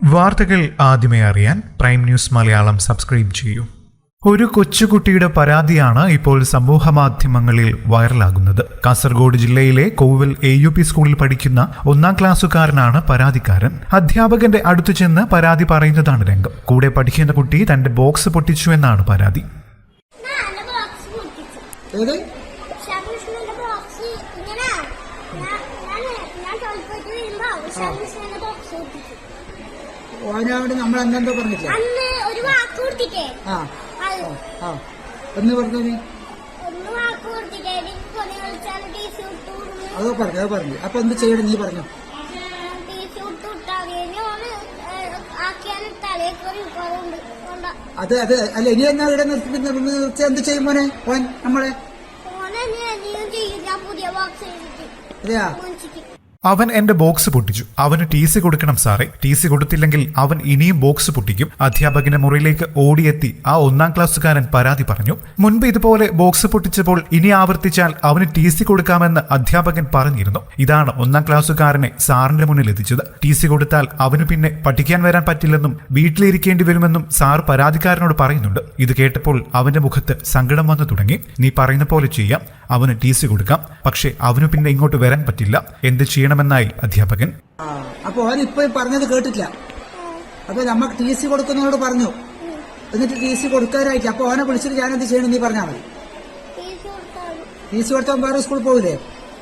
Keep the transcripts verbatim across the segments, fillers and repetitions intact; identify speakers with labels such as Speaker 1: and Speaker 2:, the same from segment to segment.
Speaker 1: വാർത്തകൾ ആദ്യമേ അറിയാൻ പ്രൈം ന്യൂസ് മലയാളം സബ്സ്ക്രൈബ് ചെയ്യൂ. ഒരു കൊച്ചുകുട്ടിയുടെ പരാതിയാണ് ഇപ്പോൾ സമൂഹ മാധ്യമങ്ങളിൽ വൈറലാകുന്നത്. കാസർഗോഡ് ജില്ലയിലെ കോവിൽ എ യു പി സ്കൂളിൽ പഠിക്കുന്ന ഒന്നാം ക്ലാസ്സുകാരനാണ് പരാതിക്കാരൻ. അധ്യാപകന്റെ അടുത്തു ചെന്ന് പരാതി പറയുന്നതാണ് രംഗം. കൂടെ പഠിക്കുന്ന കുട്ടി തന്റെ ബോക്സ് പൊട്ടിച്ചു എന്നാണ് പരാതി.
Speaker 2: ഓനോട് നമ്മൾ അന്നെന്തോ പറഞ്ഞിട്ടില്ല. എന്ന് പറഞ്ഞു അതോ പറഞ്ഞു അതോ പറഞ്ഞു അപ്പൊ എന്ത് ചെയ്യണം നീ പറഞ്ഞു. അത് അത് അല്ല ഇനി എന്നാ ഇവിടെ നിർത്തി നിർത്തി എന്ത് ചെയ്യും മോനെ ഓൻ നമ്മളെ അതെയാ.
Speaker 1: അവൻ എന്റെ ബോക്സ് പൊട്ടിച്ചു. അവന് ടി സി കൊടുക്കണം സാറേ. ടി സി കൊടുത്തില്ലെങ്കിൽ അവൻ ഇനിയും ബോക്സ് പൊട്ടിക്കും. അധ്യാപകന്റെ മുറിയിലേക്ക് ഓടിയെത്തി ആ ഒന്നാം ക്ലാസ്സുകാരൻ പരാതി പറഞ്ഞു. മുൻപ് ഇതുപോലെ ബോക്സ് പൊട്ടിച്ചപ്പോൾ ഇനി ആവർത്തിച്ചാൽ അവന് ടി സി കൊടുക്കാമെന്ന് അധ്യാപകൻ പറഞ്ഞിരുന്നു. ഇതാണ് ഒന്നാം ക്ലാസ്സുകാരനെ സാറിന്റെ മുന്നിൽ എത്തിച്ചത്. ടി സി കൊടുത്താൽ അവന് പിന്നെ പഠിക്കാൻ വരാൻ പറ്റില്ലെന്നും വീട്ടിലിരിക്കേണ്ടി വരുമെന്നും സാർ പരാതിക്കാരനോട് പറയുന്നുണ്ട്. ഇത് കേട്ടപ്പോൾ അവന്റെ മുഖത്ത് സങ്കടം വന്നു തുടങ്ങി. നീ പറയുന്ന പോലെ ചെയ്യാം, അവന് ടി സി കൊടുക്കാം, പക്ഷെ അവന് പിന്നെ ഇങ്ങോട്ട് വരാൻ പറ്റില്ല. എന്ത് ചെയ്യണമെന്നായി അധ്യാപകൻ.
Speaker 2: അപ്പൊ അവൻ ഇപ്പൊ പറഞ്ഞത് കേട്ടിട്ടില്ല. അപ്പൊ നമ്മക്ക് ടി സി കൊടുക്കുന്നവരോട് പറഞ്ഞു. എന്നിട്ട് ടി സി കൊടുക്കാനായിട്ട് അപ്പൊ അവനെ വിളിച്ചിട്ട് ഞാൻ എന്ത് ചെയ്യണം നീ പറഞ്ഞാൽ മതി. ടി സി കൊടുത്താൽ വേറെ സ്കൂളിൽ പോകില്ലേ?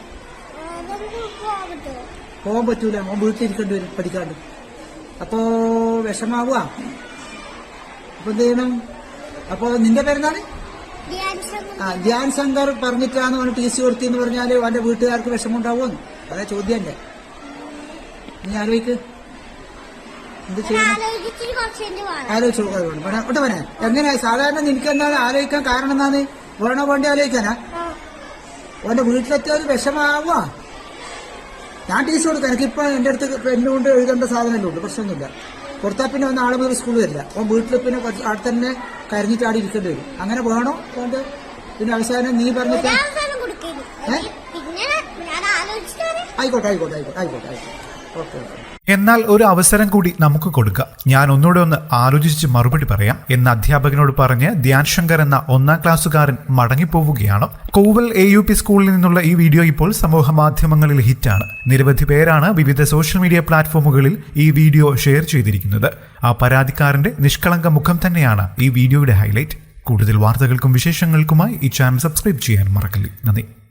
Speaker 2: പോകാൻ പറ്റൂല, അവൻ വീട്ടിലിരിക്കേണ്ടി വരും പഠിക്കാണ്ട്. അപ്പോ വിഷമാവുക. അപ്പൊ എന്ത് ചെയ്യണം? അപ്പൊ നിന്റെ പേരെന്താണ്? ആ ധ്യാൻ ശങ്കർ പറഞ്ഞിട്ടാണ് അവന് ടി സി കൊടുത്തെന്ന് പറഞ്ഞാല് അവന്റെ വീട്ടുകാർക്ക് വിഷമമുണ്ടാവുമെന്ന്. അതാ ചോദ്യം അല്ലേ? നീ ആലോചിക്ക് എന്ത് ചെയ്യണം. ആലോചിച്ചു ഒട്ട് പറയാ എങ്ങനെയാ സാധാരണ നിനക്ക് എന്താണ് ആലോചിക്കാൻ കാരണം എന്നാണ്? വേണോ വേണ്ടി ആലോചിക്കാനാ? അവന്റെ വീട്ടിലെത്തിയ ഒരു വിഷമാവുക. ഞാൻ ടി സി കൊടുക്കാം. എനിക്കിപ്പോ എന്റെ അടുത്ത് പെണ്ണുകൊണ്ട് എഴുതേണ്ട സാധനമല്ലേ ഉള്ളൂ, പ്രശ്നമൊന്നുമില്ല. കൊടുത്താൽ പിന്നെ ഒന്ന് ആളെ മുതൽ സ്കൂളിൽ വരില്ല. അപ്പം വീട്ടിൽ പിന്നെ അവിടെ തന്നെ കരഞ്ഞിട്ട് ആടി ഇരിക്കേണ്ടി വരും. അങ്ങനെ വേണോ? അതുകൊണ്ട് പിന്നെ അവസാനം നീ പറഞ്ഞിട്ട് ആയിക്കോട്ടെ ആയിക്കോട്ടെ ആയിക്കോട്ടെ ആയിക്കോട്ടെ ആയിക്കോട്ടെ ഓക്കെ ഓക്കെ.
Speaker 1: എന്നാൽ ഒരു അവസരം കൂടി നമുക്ക് കൊടുക്കാം. ഞാൻ ഒന്നുകൂടെ ഒന്ന് ആലോചിച്ച് മറുപടി പറയാം എന്ന് അധ്യാപകനോട് പറഞ്ഞ് ധ്യാൻ ശങ്കർ എന്ന ഒന്നാം ക്ലാസ്സുകാരൻ മടങ്ങിപ്പോവുകയാണ്. കോവൽ എ യു പി സ്കൂളിൽ നിന്നുള്ള ഈ വീഡിയോ ഇപ്പോൾ സമൂഹ മാധ്യമങ്ങളിൽ ഹിറ്റാണ്. നിരവധി പേരാണ് വിവിധ സോഷ്യൽ മീഡിയ പ്ലാറ്റ്ഫോമുകളിൽ ഈ വീഡിയോ ഷെയർ ചെയ്തിരിക്കുന്നത്. ആ പരാതിക്കാരന്റെ നിഷ്കളങ്ക മുഖം തന്നെയാണ് ഈ വീഡിയോയുടെ ഹൈലൈറ്റ്. കൂടുതൽ വാർത്തകൾക്കും വിശേഷങ്ങൾക്കുമായി ഈ ചാനൽ സബ്സ്ക്രൈബ് ചെയ്യാൻ മറക്കല്ലേ. നന്ദി.